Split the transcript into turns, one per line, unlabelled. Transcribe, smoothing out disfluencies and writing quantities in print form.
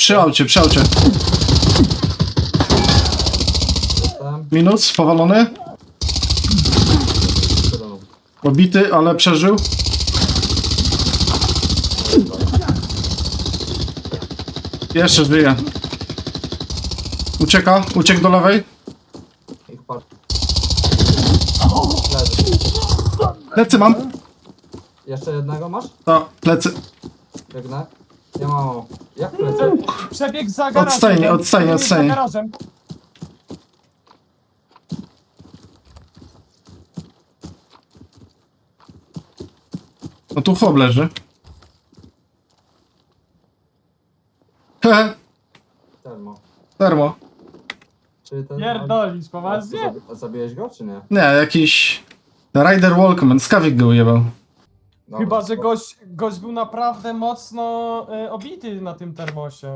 Przy aucie, przy aucie.
Jestem.
Minus, powalony.
Siedem.
Obity, ale przeżył. Jeszcze żyje. Ucieka, uciekł do lewej.
Ich par... Leży.
Plecy mam.
Jeszcze jednego masz?
To, plecy.
Biegnę. Nie mam. Jak plecy?
Przebieg za garażem.
Odstajnie, odstajnie,
Przebieg za
odstajnie.
garażem.
No tu chłop leży. Hehe,
Termo.
termo.
Czy ten...
Pierdolisz, poważnie?
Zabiłeś go, czy nie?
Nie, jakiś... Rider Walkman, skawik go ujebał.
Dobra,
Chyba, że
spoko.
gość był naprawdę mocno obity na tym termosie.